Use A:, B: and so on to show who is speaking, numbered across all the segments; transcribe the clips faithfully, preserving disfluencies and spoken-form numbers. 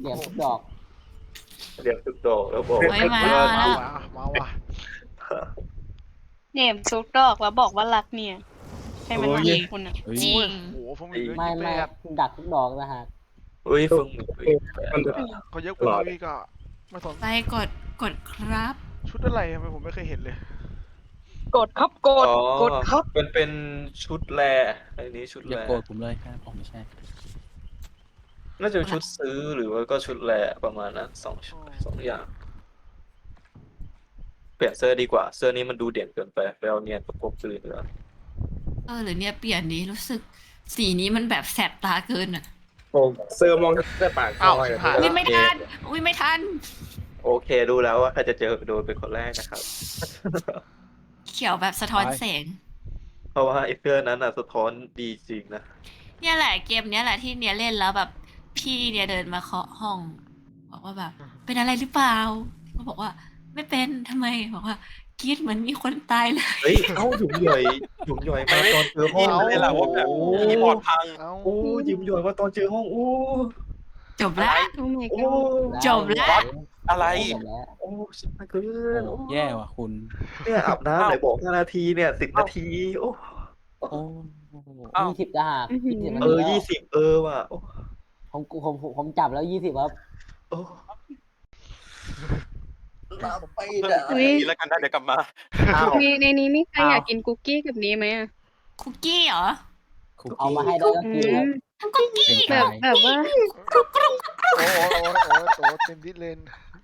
A: เหลี่ยมทุกดอก
B: เรียกทุกดอกแล้วบอก
C: เฮ้ยมา
D: มา
C: แล้ว
D: ว่ะมาว่ะ
E: เนี่ยซุกดอกแล้วบอกว่ารักเนี่ยใช่ไหมล่ะคุณอ่ะ
C: จริง
D: โอ้โหฟงหมิง
A: ไม่
D: ยี่สิบ
A: ไม่
D: แปด
A: ดักทุกดอกนะฮะ
B: เฮ้ยฟึ่งหมึกเฮ้ย
D: เขาเยอะกว่าเราอีกอ่ะไม่สน
C: ไปกดกดครับ
D: ชุดอะไรทำไมผมไม่เคยเห็นเลย
E: กดครับกด
B: อ๋อก
E: ดครับ
B: เป็นเป็นชุดแรอันนี้ชุด
F: อ
B: แร
F: ย่าโกรธผมเลยครับผมไม่ใช่
B: น่าจะเป็นชุดซื้อหรือว่าก็ชุดแรประมาณนั้นสองชุดสองอย่าง เปลี่ยนเสื้อดีกว่าเสื้อนี้มันดูเด่นเกินไปไปเอาเนียนประกบเลยดีกว่า
C: เออหรือเนี่ยเปลี่ยนนี้รู้สึกสีนี้มันแบบแสบตาเกินอ่ะ
G: ผมเสื้อมองแต่ปาก
D: อ้าว
G: ซอย
D: ชิบหาย
C: อุ้ยไม่ทันอุ้ยไม่ทัน
B: โอเคดูแล้วว่าใครจะเจอโดนเป็นคนแรกนะครับ
C: เขียวแบบสะท้อนแสง
B: เพราะว่าไอ้เสื้อนั้นน่ะสะท้อนดีจริงนะ
C: เนี่ยแหละเกมเนี้ยแหละที่เนี่ยเล่นแล้วแบบพี่เนี่ยเดินมาเคาะห้อง บอกว่าแบบ เป็นอะไรหรือเปล่าก็บอกว่าไม่เป็นทำไมบอกว่ากรีดเหมือนมีคนตายเลย
B: เฮ้ยเอ้าหยุมหย่อยหยุมหย่อยมาตอนเจอห้อง
D: เอา
B: เลยล่ะว่าแบบ
G: คีย์บอร์ดพัง
D: เอ้า
B: โอ้หยุมหย่อยมาตอนเจอห้องโอ้
C: จบแล้ว
E: โอ้ my
B: โอ้
E: god
C: จบแล้ว
G: อะไร
A: จบแล้ว
B: โอ้ชิบหายเกิน
F: โอ้
B: โอ้
F: แย่ว่ะคุณ
B: เนี่ยอาบน้ำไหนบอกห้านาทีเนี่ยสิบนาทีโอ้
F: โอ้
G: อ้าว
A: ยี่สิบจะหัก
E: อื้อหือ
A: ยี่สิบ
B: เออยี่สิบเออว่ะโอ้
A: ผมผมผมผมจับแล้วยี่สิบครับ
B: โอ้
E: อุ๊ย
G: นี่แล้วกันได้เดี๋ยวกลับมา
B: อ้าว
E: ในในนี้มีใครอยากกินคุกกี้กับนี้ไหมอ่ะ
C: คุกกี้เหรอ
F: คุก
A: เอา
F: กี้
A: มาให้ได้ก็
E: อื
A: กินครับ
E: ม
C: คุกกี้
F: เป็น
E: แบบ
F: ชาย
E: แบบว่า
D: โอ้โหโอ้โหโอ้โหโอ้โหเต็มดิสเลน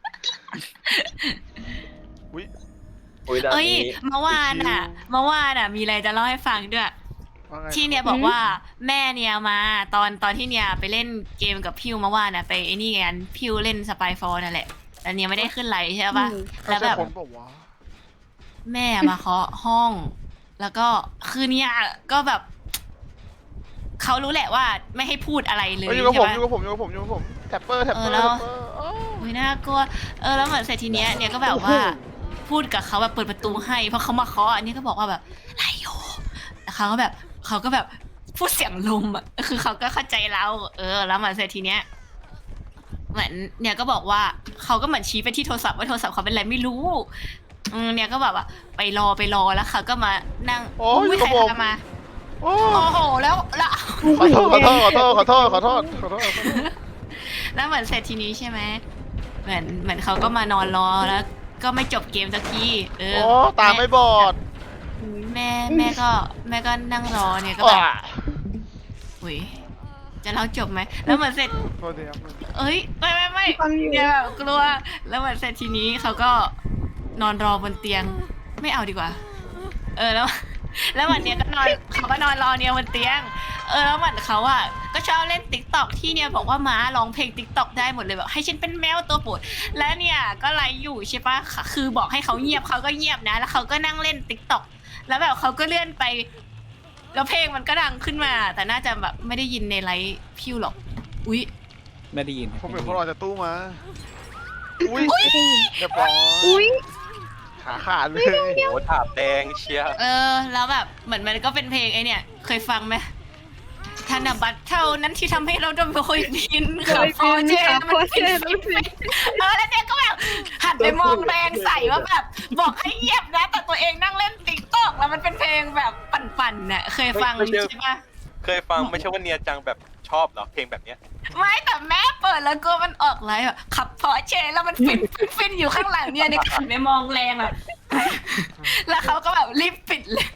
D: อุ้ย
B: โอ้ยด้าน
C: เอ้ย
B: นี้
C: เมื่อวานอ่ะเมื่อวานอ่ะ มีอะไรจะเล่าให้ฟังด้วย
D: ว่าไง
C: ที่เนี่ยบอกว่าแม่เนี่ยมาตอนตอนที่เนี่ยไปเล่นเกมกับพิวเมื่อวานอ่ะไปไอ้นี่กันพิวเล่นสปายฟอร์นั่นแหละแต่เนี่ยไม่ได้ขึ้นไลน์ใช่ปะ
E: อืม
D: เขา
C: แล้ว
D: ใช่
C: แบบ
D: คนบอกว่า
C: แม่มาเคาะห้อง แล้วก็คือเนี่ยก็แบบเขารู้แหละว่าไม่ให้พูดอะไรเลย
D: เอ้ยอยู่กับผม
C: ใช่
D: อยู่
C: ปะ
D: กับผมอยู่กับผมอยู่กับผมแท็ปเปอร์แท็ปเปอร์
C: เออแล้ว
D: แท็ปเปอร์อ้าว
C: อุ้ยน่ากลัวเออแล้วเหมือนเสร็จทีเนี้ยเนี่ยก็แบบว่าพูดกับเขาแบบเปิดประตูให้เพราะเขามาเคาะอันนี้ก็บอกว่าแบบไรโยแต่เขาก็แบบเขาก็แบบพูดเสียงลมอ่ะคือเขาก็เข้าใจเราเออ แล้วเหมือนเสร็จทีเนี้ยเหมือนเนี่ยก็บอกว่าเขาก็เหมือนชี้ไปที่โทรศัพท์ว่าโทรศัพท์เขาเป็นอะไรไม่รู้อืมเนี่ยก็แบบว่าไปรอไปรอแล้วเขาก็มานั่ง
D: โอ้ยอยู่
C: ใค
D: กั
C: ร
D: บผม
C: ทำมา
D: โอ้
C: โอ้โหแล้วแล้ว
D: ขอโทษขอโทษขอโทษขอโทษขอโทษขอโทษ
C: แล้วเหมือนเสร็จทีนี้ใช่ไหมเหมือนเหมือนเขาก็มานอนรอแล้ว ก็ไม่จบเกมสักทีเออ
D: โอ้ตาไม่บอด
C: แม่แม่ก็แม่ก็นั่งรอเนี่ยก็
D: อ่ะ
C: แบบอุ้ยจะเล่าจบไหมแล้วเหมือนเสร็จ
D: โทษทีครับ
C: เอ้ยไม่ไม่ไม่
E: ฟังอยู่
C: เนี่ยแบบกลัวแล้วเหมือนเสร็จทีนี้เขาก็นอนรอบนเตียงไม่เอาดีกว่า เออแล้ว แล้ววันเนี้ยก็นอนเขาก็นอนรอเนี่ยบนเตียง เออแล้วเหมือนเขาอ่ะก็ชอบเล่นติ๊กต็อกที่เนี่ยบอกว่าม้าร้องเพลงติ๊กต็อกได้หมดเลยแบบให้ฉันเป็นแมวตัวโปรดแล้วเนี่ยก็ไลฟ์อยู่ใช่ปะคือบอกให้เขาเงียบเขาก็เงียบนะ แล้วเขาก็นั่งเล่นติ๊กต็อกแล้วแบบเขาก็เลื่อนไป แล้วเพลงมันก็ดังขึ้นมา แต่น่าจะแบบไม่ได้ยินในไลฟ์พิวหรอกอุ๊ย
F: ไม่ได้ยินครับ
D: ผมเห็นคนออกจากตู้มา อุ้ยเรียบร้อย
E: อุ้ย
D: ขาขาดเลย
G: โอ้ถาบแดงเชียร์
C: เออแล้วแบบเหมือนมันก็เป็นเพลงไอเนี่ยเคยฟังไหมธนบัตรเท่านั้นที่ทำให้เราโดนโอยบินขับพอเจมันฟินฟินเออแล้วเนี่ยก็แบบหันไปมองแรงใส่ว่าแบบบอกให้เงียบนะแต่ตัวเองนั่งเล่นติ๊กต็อกแล้วมันเป็นเพลงแบบปั่นๆน่ะเคยฟังใช่ปะ
G: เคยฟังไม่ใช่ว่าเนียจังแบบชอบเหรอเพลงแบบเนี้ย
C: ไม่แต่แม่เปิดแล้วก็มันออกไลฟ์แบบขับพอเชแล้วมันฟินฟินฟินอยู่ข้างหลังเนี่ยในขันไปมองแรงอ่ะแล้วเขาก็แบบรีบปิดเลย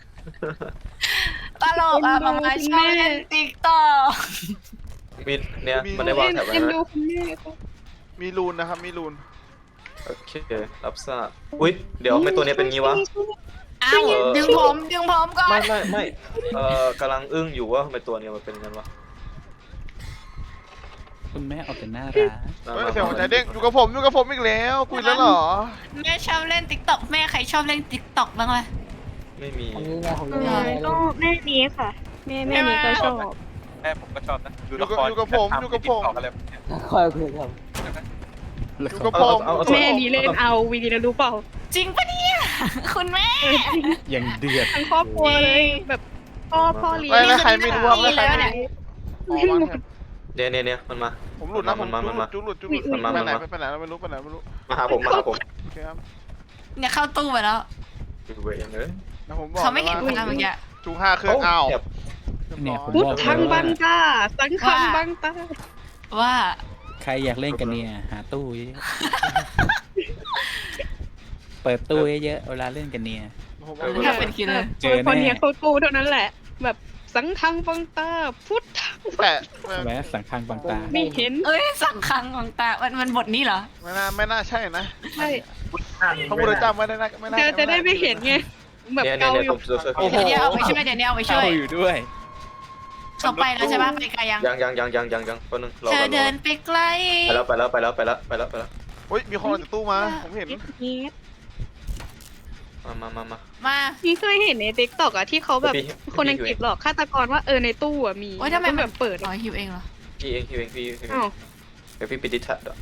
C: ตลกอ่ะมามาชอบเล่นติ๊กต็อก
B: มีเนี่ยมันได้วางแถบไว้
E: เอ็น
B: ไหม
E: ดูคุณแม่ก็
D: มีรูนนะครับ มีรูน
B: โอเครับทราบอุ้ยเดี๋ยวไม่ตัวนี้เป็นงี้วะ
C: อ้าวดึงผมดึงผมก่อน
B: ไม่ไม่ไม่เอ่อกำลังอึ้งอยู่ว่าทำไมตัวเนี้มันเป็นงั้นวะ
F: คุณแม่เอาแต่น่ารัก
B: มา
D: เฮ้ย
B: มา
D: เสียงหัวใจเด้งอยู่กับผมอยู่กับผมอีกแล้วคุยแล้วเหรอ
C: แม่ชอบเล่นติ๊กต็อกแม่ใครชอบเล่นติ๊กต็อกบ้างไหม
B: ไม่มี
A: อันนี้ไงผม
E: เอ
A: ยังไม่
E: อ
A: ได้
E: ก็
A: เล่น
E: แม่นี้ค่ะ แม่แม่นี้ก็ชอบ
G: แม่ผมก็ชอบนะดู
D: อยู่
G: ละ
D: กับ
G: คร
D: อยู่กับผมอยู่กับผม
G: ทำใน TikTok อะไรแบบเนี้ย
A: คอยคุยครับ
D: อยู่กับผม
E: แม่นี้เล่นเอาวีดีแล้วรู้เปล่า
C: จริงปะเนี่ยคุณแม่
F: ยังเดือด
E: ทั้งครอบครัวเลยแบบพ่อพ่อเลี้ยง
D: ไม่แล้วใครไม่รู้ว่า
C: นี่
D: แล้วใคร
C: แล้ว
D: ไม่
C: เนี่ย
D: รู้อ๋อวางแถบ
B: เนี่ยเนี่ยเนี่ยมันมา
D: ผมหลุดนะผม
B: มันมามันมา
D: จุกหลุดจุกหลุด
B: มันมา
D: ไปไหน
B: มันมา
D: ไปไหนไม่รู้ไปไหนไม่รู้
B: มาหาผมมาหาผม
D: โอเคครับ
C: เนี่ยเข้าตู้ไปแล้ว
B: อยู่เวรเลย
D: แล้วผมบอก
C: เขาไม่เห็น
D: ว่า
C: พลังเมื่อกี้
D: จุกห้าเครื่องอ้าว
B: เจ็บ
F: เนี่ยผม
E: พุท
F: บอก
E: ธัง
F: เลย
E: บั
F: ว่าง
E: ตาสังฆังบังตา
C: ว่า
F: ใครอยากเล่นกันเนี่ยหาตู้เยอะๆเปิดตู้เยอะๆเวลาเล่นกันเนี่ย
D: ผมบอก
C: ถ้าเป็นคิลเลอร์
F: เจอแน่
E: คนเนี้ยเขากูเท่านั้นแหละ แบบสังฆังบังตาพุทธัง
D: แต่
F: แม้สังคังบางตา
E: ไม่เห็น
C: เอ้ยสั่งคังของตา มันมันบทนี้เหรอ
D: ไม่น่าไม่น่าใช่นะ
E: ใช่
D: พระพุทธเจ้าไม่ได้นะไม่น่า
E: จะจะได้ไม่เห็นไงแบบ
B: เนี่ยเนี่ย
E: เกา
B: เนี่ย
E: อยู่
B: ผมช่วยช่วย
D: โอ้โห
C: เดี๋ยวเอาไปช่วยเดี๋ยวเนี่ยเอาไปช่วย
F: เข้าอยู่ด้วย
C: เขาไปแล้วใช่ปะไปไกลยัง
B: ยังยังยังยังยังยังคนนึงรอ
C: เธอ
B: ก่อนรอ
C: เดิ
B: ก่อน
C: นไปไกล
B: ไปแล้วไปแล้วไปแล้วไปแล้วไปแล้วไปแล้ว
D: เฮ้ยมีคนออกจากตู้มาผมเห็น
E: นี่
B: มามามามา
C: มา
E: นี่เคยเห็นในติ๊กต็อกอะที่เขาแบบ
B: พี่พี่
E: คนอังกฤษหลอกฆาตกรว่าเออในตู้อะมี
C: โอ้ยทำไม
E: ต้อง
C: มั
E: แบ
C: น
E: บเปิด
C: อ๋อ
E: อะ
C: หิวเองเหรอ
B: พี่เองพี่เองพี่พี่
E: อ้าว
B: เดี๋ยวพี่ปิดดิทัดอ่ะ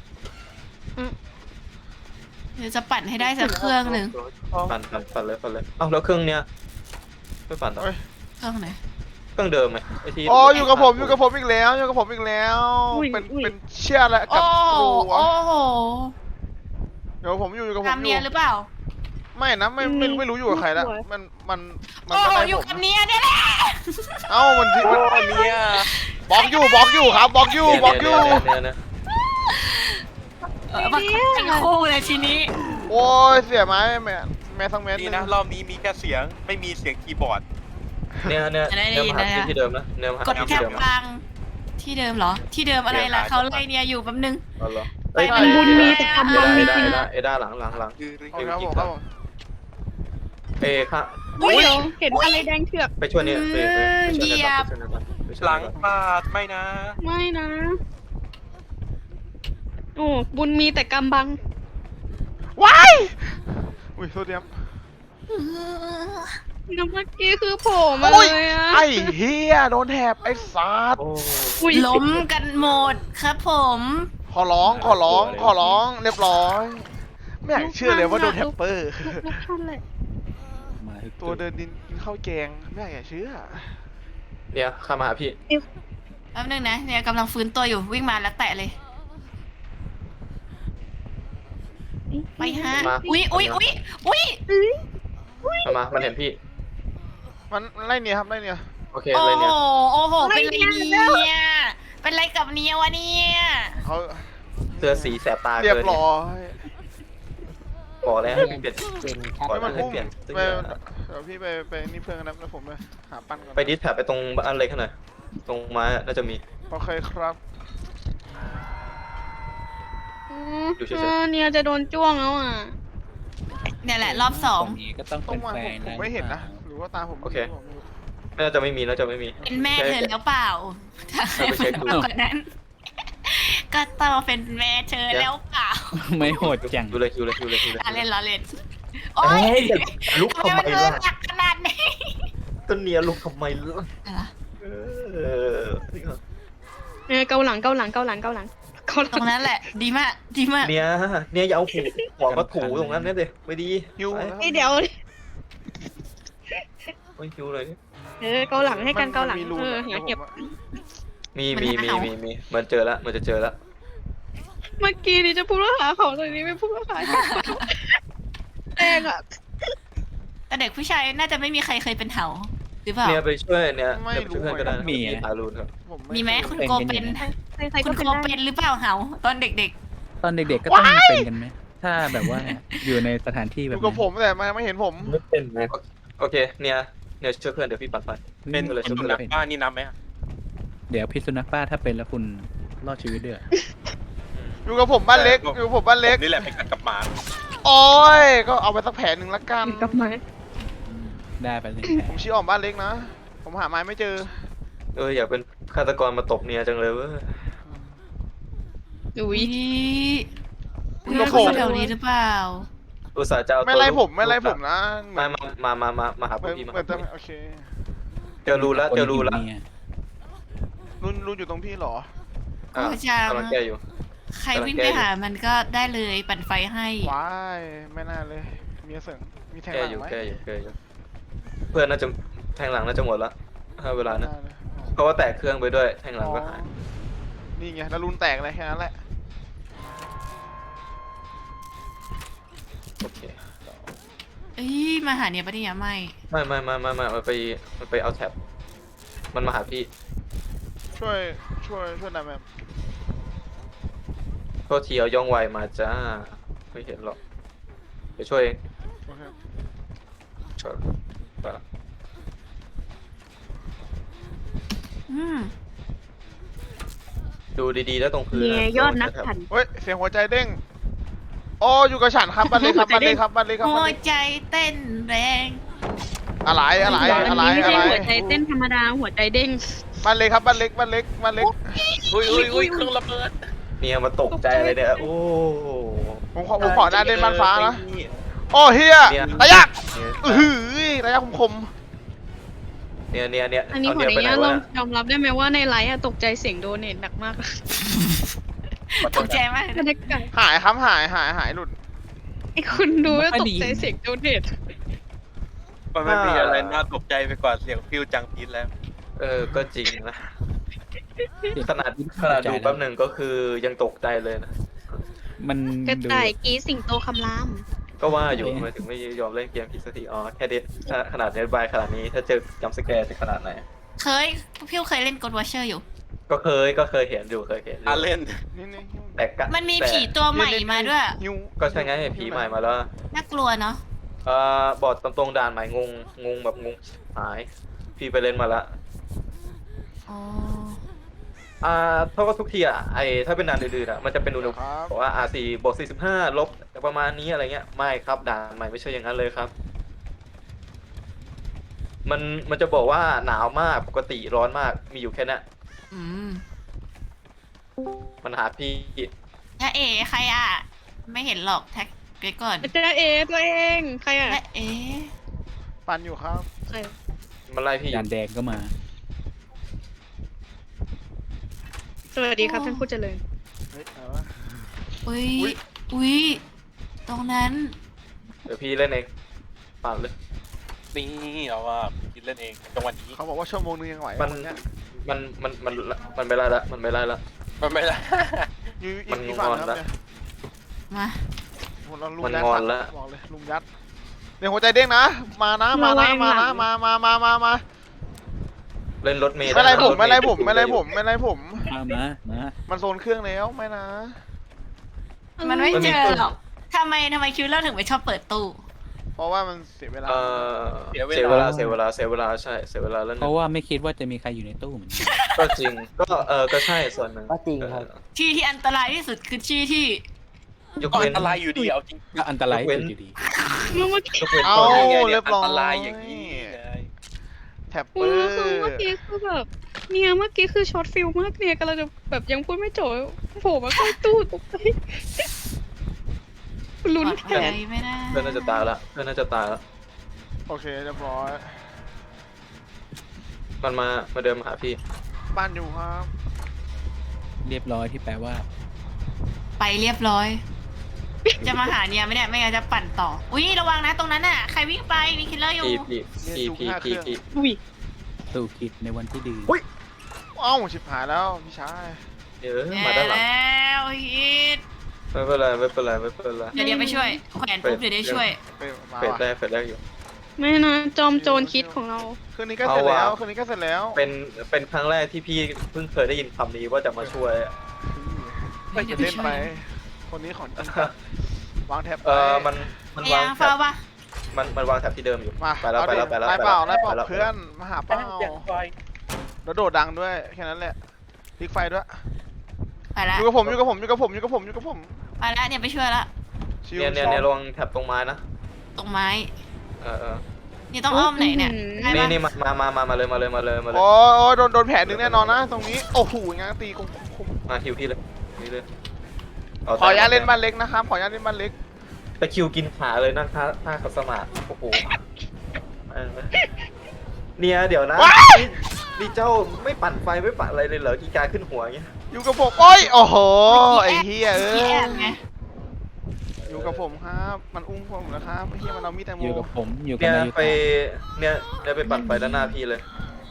C: เดี๋ยวจะปั่นให้ได้สักเครื่องหนึ่ง
B: ปั่นปั่นปั่นเลยปั่นเลยเอ้าแล้วเครื่องเนี้ยไม่ปั่นต่อ
C: เครื่องไหน
B: เครื่องเดิมไหมไอที่
D: อ๋ออยู่กับผมอยู่กับผมอีกแล้วอยู่กับผมอีกแล้วเป็นเป็นเชี่ยและ
C: โอ้
D: กับ
C: โห
D: ครู
C: โอ้โห
D: เดี๋ยวผมอยู่อยู่กับผม
C: ตาม
D: อ
C: เนี
D: ยู่
C: ยหรือเปล่า
D: ไม่นะไม่ไม่ไม่รู้อยู่กับใครละมันมันมัน
C: โอ้โห
D: ไม่ได้
C: อยู่
D: ผม
C: กับเนียเนี่ยแหละ
D: เอ้ามันที่มัน
G: เนี่ย
D: บล็อกอยู่บล็อกอยู่ครับบล็อกอยู่บล็อกอยู่
B: เนี่ยเนี่ย
C: เออมาเป็นคู่เลยทีนี้
D: โอ้ยเสียไม้แม่แม่ทั้งแม่
G: นี่นะรอบนี้มีแค่เสียงไม่มีเสียงคีย์บอร์ด
B: เนี่ยเนี่ยเนี่ยมาหาที่เดิมนะเนี่ยมาหาก
C: ด
B: ที่
C: แคป
B: เดิม
C: กลางที่เดิมเหรอ ที่เดิมอะไรล่ะเขาไล่เนียอยู่แป๊บนึง
B: อ๋อเหรอ
C: ไป
E: มันบุญมีแต่กำ
B: เอ
E: บัง
B: ด้า
E: มี
B: เอ
E: จริง
B: ด้าเอด้าหลังหลังหลัง
G: คือ
D: โอเคครับผมครับผม
B: เอค่ะ
E: อุ้ยเห็นอะไรแดงเถือก
B: ไปช่วยเนี่ยไปไปไปช่วยเนี่ยไปช่วยเนี่ยไปช่วย
G: หลัง
B: เนี่ย
G: ปาดไม่นะ
E: ไม่นะ โอ้บุญมีแต่กำบัง
D: ว้ายอุ้ยโทษทีครับ
E: แล้วเมื่อกี้คือโผล่มา
D: โอ้ย
E: เลยอะ
D: ไอ้เฮียโดนแถบไอ้สัตว์
B: โอ้
E: อุ้ย
C: ล้มกันหมดครับผม
D: ขอร้องขอร้องขอร้องเรียบร้อยไม่อยากเชื่อเลยว่าโดนแท็ปเปอร์
E: ลูกท่านเลย
F: มาทุก
D: ตัวเดินดินกินข้าวแกงไม่อยากเชื่อ
B: เนี่ยเข้ามาหาพี่
C: แป๊บนึงนะเนี่ยกำลังฟื้นตัวอยู่วิ่งมาแล้วแตะเลย ไปฮะ
B: มา
C: อุ๊ยอุ๊ยอุ๊ยอุ๊ย
B: เข้ามามันเห็นพี่
D: มันมันไล่เนี่ยครับไล่เนี่ย
B: โอเค
C: โอ้
B: เลย
C: โห
B: เนี่ย
C: โอ้โหเป็นไรเนี่ยเป็นไรกับเนียวะเนี่ย
D: เขา
B: เสื้อสีแสบตา
D: เรียบ
B: เกิน
D: ร้อย
B: บอกแล้วให้เปลี่ยน
A: เป็นชัด
B: ปล่อย
D: ไม่
B: มั
D: มัน น
B: ให้
D: พุ่ง
B: เปลี่ยน
D: ไปเดี๋ยวพี่ไปไปนี่เพื่อนกันนะแล้วผมไปหาปั้นก่อน
B: ไปดิสแท็บไปตรงบ้านเล็กขนาดตรงไม้น่าจะมี
D: โอเคครับ
E: อืมเออเนี่ยจะโดนจ้วงแล้วอ่ะ
C: เนี่ยแหละรอบสอง
F: ตรงนี้ก็ต้อง
D: ต้อ
F: เป็
D: ง
F: น
D: มา
F: แฟ
D: ผม
F: น
D: ผม
F: นะ
D: ไม่เห็นนะหรือว่าตาผม
B: โอเค
D: ผมไม่รู้
B: น่าจะไม่มีน่าจะไม่มี
C: เป็นแม่เธอแล้วเปล่าถ้า
B: เอาไปเช็คดู
C: มากกว่านั้น ก็ต้องเป็นแม่เธอแล้วเปล่า
F: ไม่โหดจัง
B: ดูเลยดูเลยดูเลยดูเลย
C: ล้อเล่นล้อเล่นโอ๊
B: เฮ้
C: ย
B: ยลุก
C: ทำไม
B: ทำไม
C: มันเลิ
B: ล่ะ
C: กหนักขนาดนี้
B: ต้นเนียลุกทำไมล่ะ
C: อะไร
B: เออ
E: เออเกาหลังเกาหลังเกาหลังเกาหลังเกาห
C: ต
E: ลั
C: รง งนั้นแหละ ดีมากดีมาก
B: เนี่ยเนี่ยอย่าเอาหูหัวมาถูตรงนั้นเนี่ยเด็ไม่ดี
D: ฮิว
B: ไป
E: นี่เดี๋ยว
B: ไม่คิวเลยดิ
E: เออเกาหลังให้กันเกาหลัง
D: มีรู
E: เออ
D: นะ
E: หาเก็บ
B: มีมีมีมีมีมันเจอแล้วมันจะเจอแล้ว
E: เมื่อกี้นี่จะพูดว่าหาของตอนนี้ไม่พูดว่าหาแดงอ่ะ
C: แต่เด็กผู้ชายน่าจะไม่มีใครเคยเป็นเหาหรือเปล่า
B: เนี่ยไปช่วยเนี่ยไปช่วยเพื่อนก็ได้มีทารุณครับ
D: ผม
C: มีไหมคุณโกเป็น
E: ใครๆ
C: คุ
E: ก็
C: ณ
E: เป็น
C: โก
E: ได้
C: เป็นหรือเปล่าเหาตอนเด็ก
F: ตอนเด็กๆก็ต้องเป็นกันไหมถ้าแบบว่าอยู่ในสถานที่
D: อ
F: แบบ
D: ยู่กับผมแต่มาไม่เห็นผม
B: ไม่เป็นไหมโอเคเนี่ยเนี่ยช่วยเพื่อนเดี๋ยวพี่ปัดไฟ
G: เป็น
B: ก็เลยช่วย
G: สุ
B: เพื่อน
G: นัขบ้านนี่นับไหมอะ
F: เดี๋ยวพิษสุนัขบ้าถ้าเป็นแล้วคุณรอดชีวิตเดือ
D: อยู่กับผมบ้านเล็กอยู่กับผมบ้านเล็ก
G: ผมนี่แหละเป็นกัดกับหมา
D: โอ้ยก็เอาไปสักแผลหนึ่งละกัน
E: กลับมา
F: ได้ไปเลย
D: ผมชี้ออกบ้านเล็กนะ ผมหาไม้ไม่เจอ
B: เอออยากเป็นฆาตกรมาตบเนี่ยจังเลยเว้ย
C: ๆ
E: อุ้ย
C: อุ้ยอุ้ยเขาอยู่แถวนี้หรือเปล่า
B: อุตส่าห์จะเอา
D: ไม่ไล่ผมไม่ไล่ผมนะ
B: มามามามามาหา
D: เห
B: พ
D: มื
B: ว
D: อก น
B: พี่มา
D: เหมือนจะโอเค
B: เจอรูแล้วเจอรูแล้ว
D: รุ่นรุ่นอยู่ตรงพี่เหรอ
B: อ่ะ
C: โอ้จัง
B: กำลังแก้อยู่
C: ใครวิ่งไปหามันก็ได้เลยปั่นไฟให้
D: ว้ายไม่น่าเลย มีเสริงมีแทง
B: แก้
D: หลัง
B: อยู่
D: ไหม
B: แก้อยู่แก้อยู่เพื่อนน่าจะแทงหลังน่าจะหมดละถ้าเวลา
D: ไม่
B: นะ
D: น่าเลย
B: เพราะว่าแตกเครื่องไปด้วยแทงหลังก็หาย
D: อนี่ไงแล้วรุนแตกเลยแค่นั้นแหละ
B: โอเค
C: เอ้ยมาหาเนี่ยปะเนี่ยไม่
B: ไม่ไม่ไม่ไม่ไม่มันไปมันไปเอาแท็บมันมาหาพี่
D: ช่วยช่วยช่วยหน่อยแมม
B: โทษทีเอาย่องไวมาจ้าไม่เห็นหรอกเดี๋ยวช่วยเอง
D: โอเค
B: ช่วยไปละ
C: อืม
B: ดูดีๆแล้วตรงพื้น
E: เนี่ย
B: นะ
E: ยอดนัก
B: โแท็บ
E: ขัน
D: เฮ้ยเสียงหัวใจเด้งโอ้อยู่กับฉันครับบ้านเล็กครับบ้านเล็กครับบ้านเล็กครับ
C: หั
D: บ้าน
C: ว
D: เล็ก
C: ใจเต้นแรง
D: อะไรอะไร
E: อัน
D: อะไร
E: นี้ไม่
D: อะ
E: ใช่
D: ไร
E: หัวใจเต้นธรรมดาหัวใจเด้ง
D: บ้านเล็กครับบ้านเล็กบ้านเล็กบ้านเล็ก
G: อุ้ยอุ้ยอุ้ยเครื่องระเบิด
B: เนี่ยมาตกใจเลยเนี่ยโอ้
D: ผมขอผมขอหน้าเล่นบ้านฟ้านะโอ้เฮีย
B: เนี่ย
D: ระยะ
B: เนี่ย
D: อือหือระยะคมคม
B: เนี่ยเนี่ยเนี่ย
E: อันนี้
B: เอา
E: ขอ
B: เนี่ย
E: อ
B: ไป
E: นุ
B: ไหน
E: ญาตล
B: วะ
E: อง
B: เนี่ย
E: ยอมรับได้ไหมว่าในไลฟ์อะตกใจเสียงโดเนทหนักมาก
C: ตกใจมาก
E: บรรยากาศ
D: หายครับหายหายหายหลุด
E: ไอ้คนดูแล้วตกใจเสียงโดเนท
G: มันไม่มีอะไรน่าตกใจไปกว่าเสียงฟิวจังพีทแล้ว
B: เออก็จริงนะขนาดขนาดดูแป๊บหนึ่งก็คือยังตกใจเลยนะ
F: มัน
E: กระ
F: ดู
E: ต่ายกรีดสิงโตคำราม
B: ก็ว่าอยู่ทำไมถึงไม่ยอมเล่นเกมผิดสักทีอ๋อแค่เด็ดขนาดเน็ตบายขนาดนี้ถ้าเจอจัมป์สแกร์จะขนาดไหน
C: เคยพี่เคยเล่นกดวอชเชอร์อยู่
B: ก็เคยก็เคยเห็นอยู่เคยเห็นอยู่
G: อ่ะเล่น
D: นี่นี่
B: แต่ก็
C: มันมี
B: แต่
C: ผีตัวใหม่มาด้วย
D: หิว
B: ก็ใช่ไงผีใหม่มาแล้ว
C: น่ากลัวเนาะ
B: เอ่อบอกตรงๆด่านใหม่งงงงแบบงงหาย พี่ไปเล่นมาละ
C: อ๋อ
B: อ่าเท่ากับทุกทีอ่ะไอถ้าเป็นด่านอื่นๆอ่ะมันจะเป็นอุณหภูมิ
D: ครับ
B: บอกว่า อาร์ สี่ บวก สี่สิบห้า ลบประมาณนี้อะไรเงี้ยไม่ครับด่านใหม่ไม่ใช่อย่างนั้นเลยครับ มันมันจะบอกว่าหนาวมากปกติร้อนมากมีอยู่แค่นั้น
C: อืม
B: มันหาพี่
C: ถ้าเอ๋ใครอ่ะ ไม่เห็นหรอกแท็กไปก่อน
E: เจ้าเอตัวเองใครอะ
C: และเอ๋
D: ปันอยู่ครับ
E: ใคร
B: มันไล่พี่อ
F: จา
B: ยู่
F: นแดงก็มา
E: สวัสดีครับท่านผู้เจริญ
D: เฮ้ยเอาวะ
C: อุ้ย
D: อุ๊ย
C: อุ้ยตรงนั้น
B: เดี๋ยวพี่เล่นเองปั่นเลย
G: นี่เอาว่าคิดเล่นเองจังหวะนี้
D: เขาบอกว่าชั่วโมงนึงยังไหว
B: มัน
D: คนเนี้ย
B: มันมันมันมันไม่ไล่ละมันไม่ไล่ละ
G: มันไม่ได้
D: อยู
B: มัน
D: อีกฝั่ง
B: งอน
D: ครับ
B: ละ
D: เนี่ย
C: มา
D: ผมเราลุม
B: มัน
D: ยัด
B: งอน
D: ฝั่
B: ละ
D: บอกเลยลุมยัดเดี๋ยวหัวใจเด้งนะ มานะมานะมานะมามามามามา
B: เล่นรถเมล์
D: ไม่ไร
B: ด้
D: ผม
B: ถ
D: ไม่ไรผม
B: อยู่
D: ไม่ไรผมไม่ไรผม
F: มามามา
D: มันโซนเครื่องแล้วไม่นะ
C: มันไม่เจอหรอกทำไมทำไมคิวเลอร์ถึงไม่ชอบเปิดตู้
D: เพราะว่ามันเสียเวลา
B: เออเสียเวลาเสียเวลาเสียเวลาใช่เสียเวลาแล้ว
F: เพ
B: นะ
F: ราะว่าไม่คิดว่าจะมีใครอยู่ในตู้เหมือนกัน
B: ก็จริงก็เออก็ใช่ส่วนหนึ่ง
A: ก็จริงครับ
B: เออ
C: ที่ที่อันตรายที่สุดคือที่ที่
B: ยก
G: ก็
B: เว้
G: อั
B: น
G: นตรายอยู่ดีเอาจริง
F: ก็อันตราย
B: ยกเว้น
F: อยู่ดี
E: เมื่อกี้
B: ยกเว้น
D: เอา
B: ตอนนี้
G: ไง
D: เรี
G: เนี่ย
D: ยบร้อย
G: อันตรายอย่างนี้เลย
D: แท็บเป
E: อื
D: อ
E: อ
D: ร์
E: คือเมื่อกี้คือแบบเนี่ยเมื่อกี้คือช็อตฟิลมากเนี่ยกำลังจะแบบยังพูดไม่จบโผล่มาใกล้ตู้ตกใจลุ้น
C: ปลอด
E: แท
C: ภั
E: น
C: ยไม่ได้
B: เพื่อนน่าจะตายละเพื่อนน่าจะตายละ
D: โอเคเรียบร้อย
B: มันมามาเดินมาหาพี่
D: บ้านอยู่ครับ
F: เรียบร้อยที่แปลว่า
C: ไปเรียบร้อย จะมาหาเนี่ยไม่ได้ไม่งั้นจะปั่นต่อ อุ้ยระวังนะตรงนั้นน่ะใครวิ่งไปมีคิลเลอร์อยู่
B: พี่พี่พี่พี่พี่พี่
E: อุ้ย
F: สู่คิดในวันที่ดี
D: เอ้าชิบหายแล้วพี่ชาย
B: เดี๋ยวมาด้านหลัง
C: แล้วฮิต
B: ไม่เป็นไรไม่เป็นไรไม่เป็นไร
C: เดี๋ยวเดี๋ยวไปช่วยแขวนปุ๊บเดี๋ยวได้ช่วย
D: ไปมา
B: เฟด
D: ว่ะ
B: แรกเฟดแรกอยู่
E: ไม่นะจอมโจรคิดของเรา
D: คืนนี้ก็เสร็จแล้ว
B: เอาว่ะ
D: คืนนี้ก็เสร็จแล้ว
B: เป็นเป็นครั้งแรกที่พี่เพิ่งเคยได้ยินคำนี้ว่าจะมาช่วยอะ
D: ไม่จะเล่นไป คนนี้ของจริงวางแท็บ
B: เออมันมัน
C: ไอ้
B: วาง
C: ยัง
B: แถ
C: เฝ้า
B: บ
C: ปะ
B: มันมันวางแถบที่เดิมอยู่
D: มา
B: ไปแล้วไปแล้วไปแล้ว
D: ไล่เปล่าไล่เปล่า
B: ไปแล้ว
D: เพื่อนมาหาเปล่า
G: อย่างไฟ
D: แล้วโดดดังด้วยแค่นั้นแหละพลิกไฟด้วย
C: ไปละ
D: อยู่กับผมอยู่กับผมอยู่กับผมอยู่กับผมอยู่กับผม
C: ไปละเนี่ยไปช่วยละ
D: ชิว
B: เนี่ยเนี่ย
D: ชอบ
B: เนี่ยระวังแถบตรงไม้นะ
C: ตรงไม้
B: เออเออ
C: นี่ต้องอ้อมไหนเนี่ยได้
B: นี่
C: ปะ
B: นี่มามามามามาเลยมาเลยมาเลยมาเลย
D: โอ้โอ้โดนโดนแผลหนึ่งแน่นอนนะ ตรงนี้โอ้โหงานตีคมคม
B: มาฮิวพี่เลยนี่เลยเ
D: ขออนุญาตเล่นบ้านเล็กนะครับขออนุญาตเล่นบ้านเล็ก
B: ตะคริวกินขาเลยนั่งท่าท่าขัดสมาธิโอ้โหเออเนี่ยเดี๋ยวนะนี่นี่เจ้าไม่ปั่นไฟไม่ปั่นอะไรเลยเหรอกีกาขึ้นหัวอย่างเงี้ย
D: อยู่กับผมโอ้ยโอ้โหไอ้เฮียเอ้
C: พี่แอบ
D: ย
C: ไง
D: อยู่กับผมครับ มันอุ้มผมนะครับไอ้เฮียมันเอามีดแตงโม
F: อยู่กับผมอยู่กับ
B: เนี่ย
F: นาย
B: ไปเนี่ยเนี่ยไปปั่นไฟด้านหน้าพี่เลย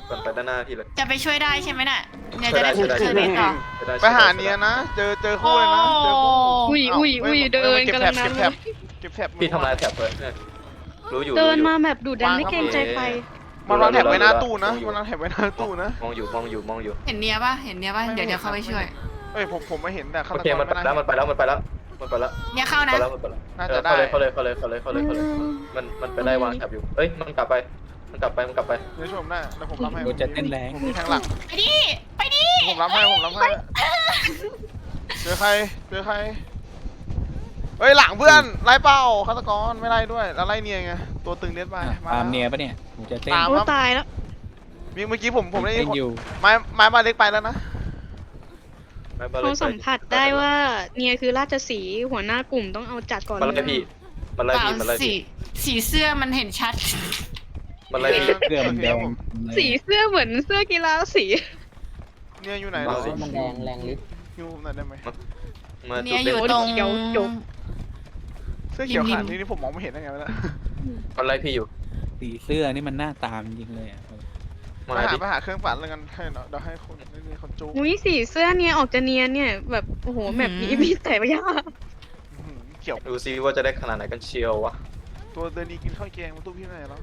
B: ปั่นไปด้านหน้าพี่เลย
C: จะไปช่วยได้ใช่ไหมน่ะเนี่ยจะได้
B: ช่วยได้
C: ช่วยเนทต่อ
B: จะด้
D: ไปหาเนียนะเจอเจอคู่เลยนะเจอคู่
E: อุ้ยอุ้ยอุ้ยเดิน
D: เก็บ
E: กำ
D: แถ
E: ลั
D: บ
E: งนั้
D: เก็
E: น
D: บแถบเก็บแถบ
B: พี่ทำลายแถบเลยเนี่ยรู้อยู่
E: เดิน
B: รู้อยู่
E: มาแบบดุดันไม่เกรงใจใคร
D: มันวางแถบไว้หน้าตู้นะมันวางแถบไว้หน้าตู้นะ
B: มองอยู่มองอยู่มองอยู่
C: เห็นเนียป่ะเห็นเนียป่ะ
D: ไม่
C: เดี๋ยว
D: ไม่
C: เดี๋ยวเข้าไป
D: ไม่
C: ช่วย
D: เอ้ยผมผมไม่เห็นแต่ฆา
B: โอ
D: ต
B: เค
D: กร
B: มันไป
D: ไม่
B: แล้ว
D: น่า
B: มันไปแล้วมันไปแล้วมันไปแล้ว
C: เนี่ยเข้า
B: ไป
C: นะ
B: แล้วมันไปแล้ว
D: น่า
B: เอ
D: จะ
B: อ
D: ได้
B: เขาเลยเขาเลยเขาเลยเขาเลยเขาเลยเขาเลยมันมันไปได้วางแถบอยู่เอ้ยมันกลับไปมันกลับไปมันกลับไป
D: เดี๋ยวชมได้เดี๋ยวผมรับให้
F: โดนจะเต้นแรง
D: ผมมีแทงหลัง
C: ไปดิไปดิ
D: ผมรับให้ผมรับให้เจอใครเจอใครเฮ้ยหลังเพื่อนไล่เป้าฆาตกรไม่ไล่ด้วยแล้วไล่เนียไงตัวตึงเด็ดไป
F: อ่ะตามเนียปะเนี่ยผมจะเต้น
D: ตาม
E: โอ้
D: ครับ
E: ตายแล้ว
D: มีเมื่อกี้ผมผมได้ยิ
F: เต้
D: น
F: น
D: คน
F: อยู่
D: ไม้ไม้บ้านเล็กไปแล้วนะ
B: ไม่เป็นไร
E: เขาสัมผัสได้ว่าเนี่ยคือราชสีห์หัวหน้ากลุ่มต้องเอาจัดก่อน
B: มันไล่พี่มันไล่
C: เปล่า
B: พี่มันไล่
C: สี
B: พี่
C: สีเสื้อมันเห็นชัด
B: มันไล่พี่
F: เสื้อมันแดงเลย
E: สีเสื้อเหมือนเสื้อกีฬาสี
D: เนี่ยอยู่ไหน
A: อ๋
D: เรา
A: อมันแดงแรงฤทธิ์
D: ฮิวผมหน่อยได้ไหม
B: มา
C: เนี่
B: จุ
C: ย
B: ด
C: อ
B: เด่น
C: ยู่ตรง
D: เสื้อเขียวขาดนี่นี่ผมมองไม่เห็นได้ไงวะเนี่ย
B: มันไล่พี่อยู่
F: สีเสื้อนี่มันหน้าตามจริงเลยอ่ะ
B: มา
D: ไปหา
B: ดิ
D: ไปหาเครื่องปั่นแล้วกันให้เนาะเดี๋ยวให้คนนี่คนจู
E: อุ้ยสีเสื้อเนี่ยออกจะเนียนเนี่ยแบบโอ้โหแบบนี้มีแต่ยาก
D: เขียว
B: ดูซิว่าจะได้ขนาดไหนกันเชียววะ
D: ตัวเดินดีกินข้าวแกงมาตู้พี่ไหนแล้ว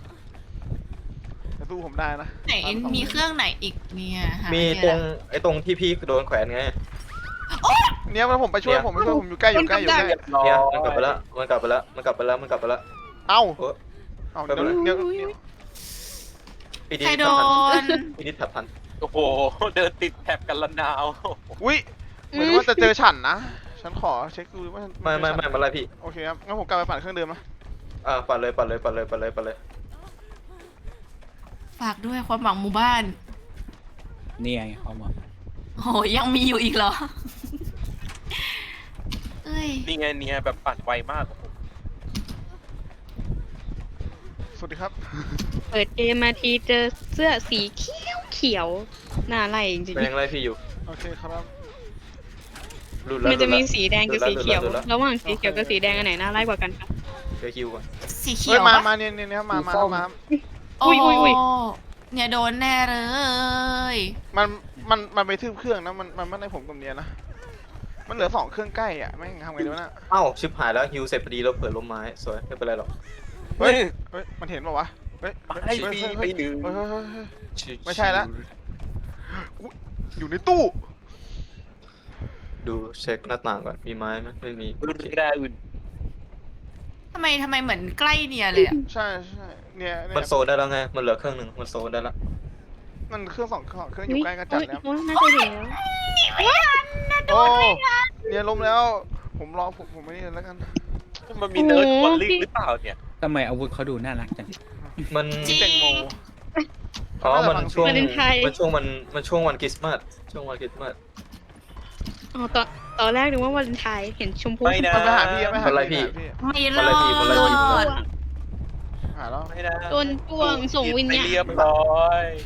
D: แต่ตู้ผมได้นะ
C: ไหนมีเครื่องไหนอีกเนี่ยหา
B: มี
C: ไเจ
B: ตร
C: อง
B: ไอ้ตรงที่พี่โดนแขวนไง
D: เนี่ยมันผมไปช่วยผมไปช่วยผมอยู่ใกล้อยู่ใกล้อยู่ใกล้
B: เนี่ยมันกลับไปแล้วมันกลับไปแล้วมันกลับไปแล้วมันกลับไปแล้ว
D: เอ้า
B: เออ
D: เอ้าเดี๋ยวเดี๋ยวเดี๋ยว
B: พี่ดิ
C: ใครโด
B: ทัน
C: น
B: พี่ดิทับทัน
G: โอ้โห เดินติดแถบกันละนาว
D: อุ้ยเหมือนว่าจะเจอฉันนะฉันขอเช็คดูว่า
B: ไม่ไม่ไม่มันไล่พี่
D: โอเคครับงั้นผมกลับไปปั่นเครื่องเดิมนะ
B: อ่าปัดเลยปัดเลยปัดเลยปัดเลยปัดเลย
C: ฝากด้วยความหวังหมู่บ้าน
F: เนี่ยไงเขาบอก
C: โหยังมีอยู่อีกเหรอ เอ้ย
G: นี่ไงเนี่ยแบบปั่นไวมาก
D: สวัสดีครับ
E: เปิดเกมมาทีเจอเสื้อสีเขียวเขียวหน้าไล่จริง
B: มันยังไล่พี่อยู่
D: โอเคครับ
B: รุด
E: ๆ
B: แล้ว
E: มันจะมีสีแดงกับสีเขียว
B: รุดแล้ว
E: ระหว่างสีเขียวกับสีแดงอันไหนน่าไล่กว่ากันคะ
B: เดี๋ยวคิวก่อน
C: สีเขี
D: เฮ้
C: ย
D: ยว มา
C: ปะ
D: มาเนี่ยเนี่ยเนี่ยมามามา
C: โอ้
E: อุ้ยอุ้ยอุ้ย
C: เนี่ยโดนแน่เลย
D: มันมันมันไปทึบเครื่องนะมันมันไม่ได้ผมกับเนียนะมันเหลือสองเครื่องใกล้อ่ะแม่งทำไงดีวะน่ะ
B: เอ้าชิบหายแล้วฮิวเสร็จพอดีเราเปิดลมไม้สวยไม่เป็นไรหรอก
D: เฮ้ยเฮ้ยมันเห็นป่าวะเฮ้ย
G: ไป
D: เฮ้ย
G: ปี
D: เฮ้ย
G: ไป
D: เฮ้ย
G: หนึ่ง
D: เฮ้ยเฮ้ยเฮ้ยเฮ้ย
B: ชิว
D: ไม่ใช่ละ อุ๊ยอยู่ในตู้
B: ดูเช็คหน้าต่างก่อนมีไม้ไหมไม่มี
G: รุ่นแรกอื่น
C: ทำไมทำไมเหมือนใกล้เนี่ยเลยอะ
D: ใช่ใช่เนี่ยเนี่
B: มัน
D: ย
B: โซนได้แล้วไงมันเหลือเครื่องหนึ่งมันโซนได้แล้ว
D: มันเครื่องสองเครื่องเครื่องอ
E: อุ้
D: ยู่
E: ย
D: ใกล้กันจัดแล้ว
E: โอ้ยน่าจะเห็นแล้ว
D: โอ้เนี่ยล้มแล้ว ผมรอผมผมไม่นี่แล้วกัน
G: มันมีเนิร์ดบอลลิงหรือเปล่าเนี่ย
F: ทำไมอาวุธเขาดูน่ารักจัง
B: มัน
C: จริ
D: แตงโม
C: ง
B: อ๋อมันช่วง
E: วาเลนไทน์
B: มันช่วงมันมันช่วงวันคริสต์มาสช่วงวันคริสต์มาส
E: อ๋อตอนตอนแรกนึกว่าวันไทยเห็นชมพู
G: ไม่นะ
D: มันไปหาพี่ไม่หา
B: อะไรพี่
D: พี่
C: ไม่ร
B: อะไร
C: อ
B: พี่อะไรพี่
C: ด
D: หาแล้ว
G: ไม่ได้
E: โดนป่วงส่งวิญ
G: ไป
E: ญาณ
G: เรียบร้อย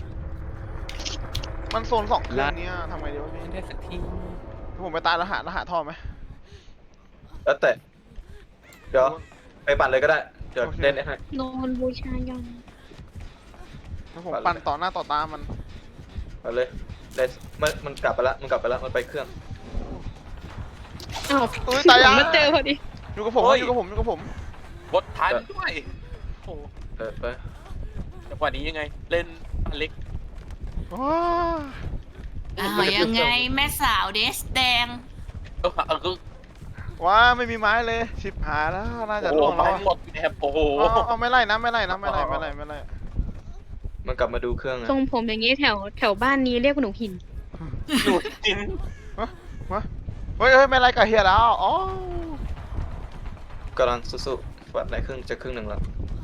D: มันโซนสองเครื่องเนี้ยทำไงดีวะพี่
F: ไม่ได้สักที
D: ผมไปตายแล้วหาแล้วหาท่อไหม
B: แล้วแต่เดี๋ยวไปปั่นเลยก็ได้เดี๋ยวเล่นให้
E: โดนบูชายัน
D: แล้วผมปั่นต่อหน้าต่อตามัน
B: ไปเลยเล่นมันมันกลับไปแล้วมันกลับไปแล้วมันไปเครื่อง
E: อ้าว
D: อุ้ยตาย
E: ผ
D: ยัง
E: มมาเจอพอดี
D: อยู่กับผมอยู่กับผมอยู่กับผม
G: บดทันด้วยโอ้โห
B: เออไป
G: จังหวะนี้ยังไง เล่นอเล็ก
D: ว้า
C: อ้าวยังไงแม่สาวเดสแดง
G: เออเออ
D: ว้าไม่มีไม้เลยชิบหายแล้วน่าจะ
G: โอ้
D: ล่ว
G: โห
D: งแล้ว
G: ไม้
D: อะ
G: หมดแถบโอ้โห
D: เอาเอาเอาไม่ไล่นะไม่ไล่นะไม่ไล่ไม่ไล่ไม่ไล่ไม่ไล่
B: มันกลับมาดูเครื่องนะ
E: ทรงผมอย่างนี้แถวแถวบ้านนี้เรียกว่าหนูหิน
G: หลุดจิน
D: เฮ้ยเฮ้ยไม่ไล่กับเฮียแล้วอ๋อก
B: ำลังสู้ๆวัดไหนครึ่งจะครึ่งหนึ่งแล้ว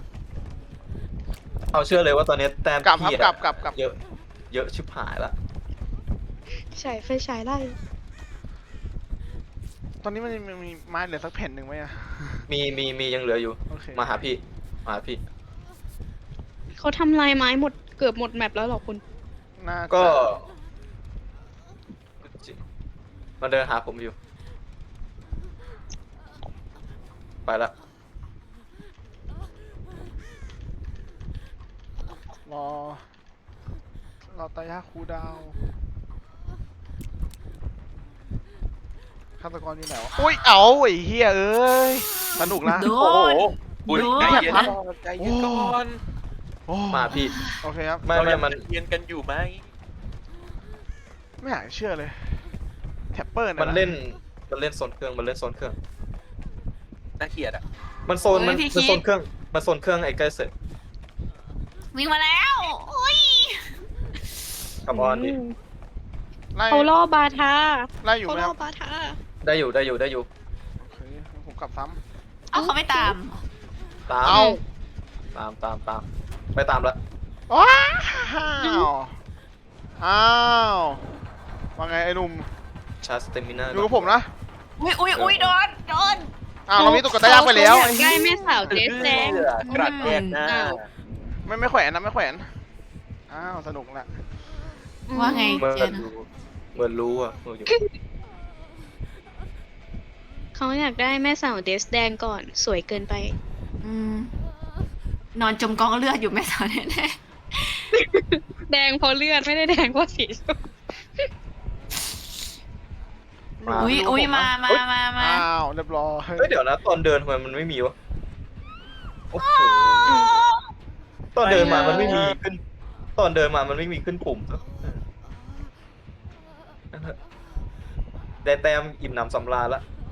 B: เอาเชื่อเลยว่าตอนนี้แต้ม
D: กลับครับ
B: พี่
D: กลั
B: อะ
D: บกลับกลับ
B: เยอะเยอะชิบหายละ
E: ฉายไฟฉายไล่
D: ตอนนี้มันมีมีไม้เหลือสักแผ่นหนึ่งไหมอะ
B: มีมีมียังเหลืออยู่
D: โอเค
B: มาหาพี่มาหาพี่
E: เขาทำลายไม้หมดเกือบหมดแมปแล้วเหรอคุณ
D: น่าจะ
B: ก็มันเดินหาผมอยู่ไปละ
D: รอเราตายาคูดาวฆาตกรอยู่ไหนวะอุ้ยเอาไอ้เฮียเอ้ยสนุกนะ
C: โด
G: โอ้โห
C: น
G: อุ้ย
C: โดน
G: ใจเย็นก่อนใจเย็นก่อน
D: โอ้
B: มาพี่
D: โอเคครับ
B: ไม่
G: เรา
B: ไม่
G: ยัง
B: มัน
G: เรียนกันอยู่ไหม
D: ไม่อยากเชื่อเลยแท็ปเปอร์ยะ
B: มันเล่นมันเล่นโซนเครื่องมันเล่นโซนเครื่อง
G: น่าเกลียดอ่ะ
B: มันโซนมันมันโซนเครื่องมันโซนเครื่องไอ้ใกล้เสร็จ
C: วิ่งมาแล้วอุ้ย
B: กับออนดิ
D: ไล่
E: เขาล่อบาทา
D: ไล่อยู่
E: เขา
D: ไหม
E: ล่
D: ค
E: อ
D: รับ
E: บาทา
B: ได้อยู่ได้อยู่ได้อยู่
D: โอเคผมกลับซ้
C: เอาเขาไม่ตาม
B: ตา
D: ำ
B: ม
D: เอา
B: ตามตามตามไปตามละ
D: ว้าวอ้าวว่าไงไอ้หนุ่ม
B: ชาร์จสเตมิน่า
D: อยู่กับผมนะ
C: อุ้ยอุ้ยอุ้ยโดนโดน
D: อ้าวเรามีตุ๊กตายางไปแล้ว
E: เขาอยากได้แม่สาวเจสแดง
G: กระดแยกหน้า
E: อ้าว
D: ไม่ไม่แขวนนะไม่แขวนอ้าวสนุกละ
C: ว่าไง
B: เหมื
C: เจ
B: อน
C: น
B: รู้เหมือนรู้อ่ะอยู่
E: เขาอยากได้แม่สาวเดสแดงก่อนสวยเกินไป
C: อืมนอนจมกองเลือดอยู่แม่สาวแน่
E: แดงเพราะเลือดไม่ได้แดงเพราะสีส้ม
B: มา
C: ๆอุ้ยอุ้ยมามามามา
D: อ้าวเรียบร้อย
B: เฮ้ยเดี๋ยวนะตอนเดินทำไมมันไม่มีวะโอ้โหตอนเดินมามันไม่มีขึ้น ตอนเดินมามันไม่มีขึ้นปุ่มได้แต้มอิ่มหนำสำราญละ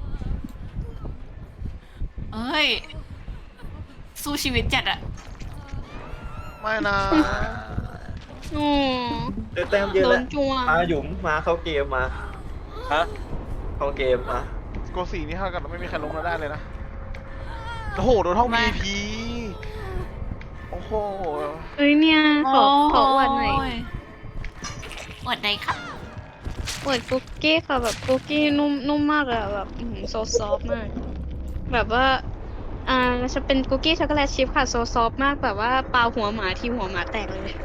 C: เอ้ย สู้ชีวิตจัดอะ
D: ไม่นะ
E: โอ้
B: ได้แต้มเยอะ
E: โด
B: แล้ว
E: นจัว
B: มาหยุมมาเข้าเกมมา
G: ฮะ
B: เข้าเกมมา
D: โกสีนี่เท่ากับไม่มีใครลงเราได้เลยนะโอ้โหโดนห้อง วี ไอ พี โอ้โห
E: เอ้ยเนี่ยขอขออวดหน่อย
C: อวดไหนครับ
E: อวดคุกกี้ค่ะแบบคุกกี้นุ่มนุ่มมากอะแบบโซซอฟมาก แบบว่าอ่าจะเป็นคุกกี้ช็อกโกแลตชิพค่ะโซซอฟมากแบบว่าปาหัวหมาที่หัวหมาแตกเลย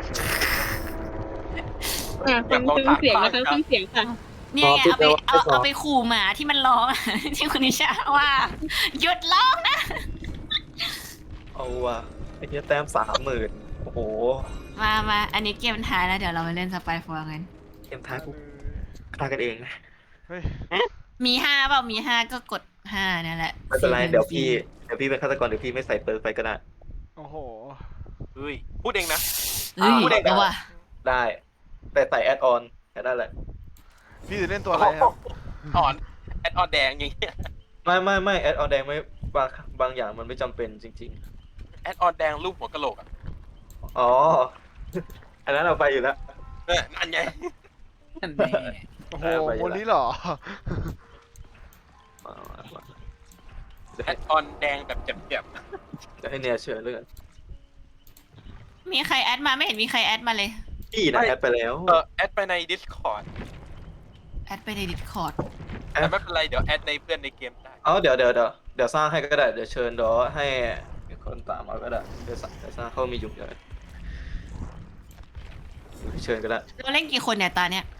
E: อ่าฟังฟังเสียงนะคะฟังเสียงค่ะ
C: เนี่ยไงเอาไปเอาเอาไปขู่หมาที่มันร้อง ที่คุณนิชาว่า หยุดร้องนะ
B: เอาว่ะไอ้เนี้ยแต้มสามหมื่นโอ้โห
C: มามาอันนี้เกมท้ายแล้วเดี๋ยวเราไปเล่นสไปฟอร์กัน
B: เกมท้ายกูฆ่ากันเองนะ
D: เฮ้ย
C: มีห้าเปล่ามีห้าก็กดห้านั่นแหละ
B: ไม่เป็นไรเดี๋ยวพี่เดี๋ยวพี่เป็นฆาตกรเดี๋ยวพี่ไม่ใส่เปิร์กไปก็ได้
D: โอ้โห
G: เฮ้ยพูดเองนะ
C: เฮ้ย
B: พูดได้ไง
C: เอาว่ะ
B: ได้ แต่ใส่แอดออนแค่นั้นแหละ
D: พี่จะเล่นตัวอะไรครับ
G: อ่อนแอดออนแดงอย่างเงี้ย
B: ไม่ไม่ไม่แอดออนแดงไม่บางบางอย่างมันไม่จำเป็นจริง
G: แอดออนแดงรูปหัวกะโหลกอ่ะ
B: ๆ อ๋อ อันนั้นเอาไปอยู่แล้ว
G: เออนั่นไง
F: นั่นแน่
D: โอ้โห
B: เออไปอยู่
D: วัน
B: ละ
D: นี้เหรอ
B: มามามา
G: แอดออนแดงแบบเจ็บ
B: เดี๋ยวให้เนียเชิญเรื่อง
C: มีใครแอดมาไม่เห็นมีใครแอดมาเลย
B: พี่นะแอดไปแล้ว
G: ๆเออแอดไปใน Discord
C: แอดไปในดิสคอร์ด
G: แต่ไม่เป็นไรเดี๋ยวแอดในเพื่อนในเกมได้
B: เอาเดี๋ยวเดี๋ยวเดี๋ยวเดี๋ยวสร้างให้ก็ได้เดี๋ยวเชิญเดี๋ยวให้มีคนตามมาก็ได้เดี๋ยวสร้างเดี๋ยวสร้างเขามีอยู่เดี๋ยวเชิญก็ได้
C: เราเล่นกี่คนเนี่ยตาเนี่ย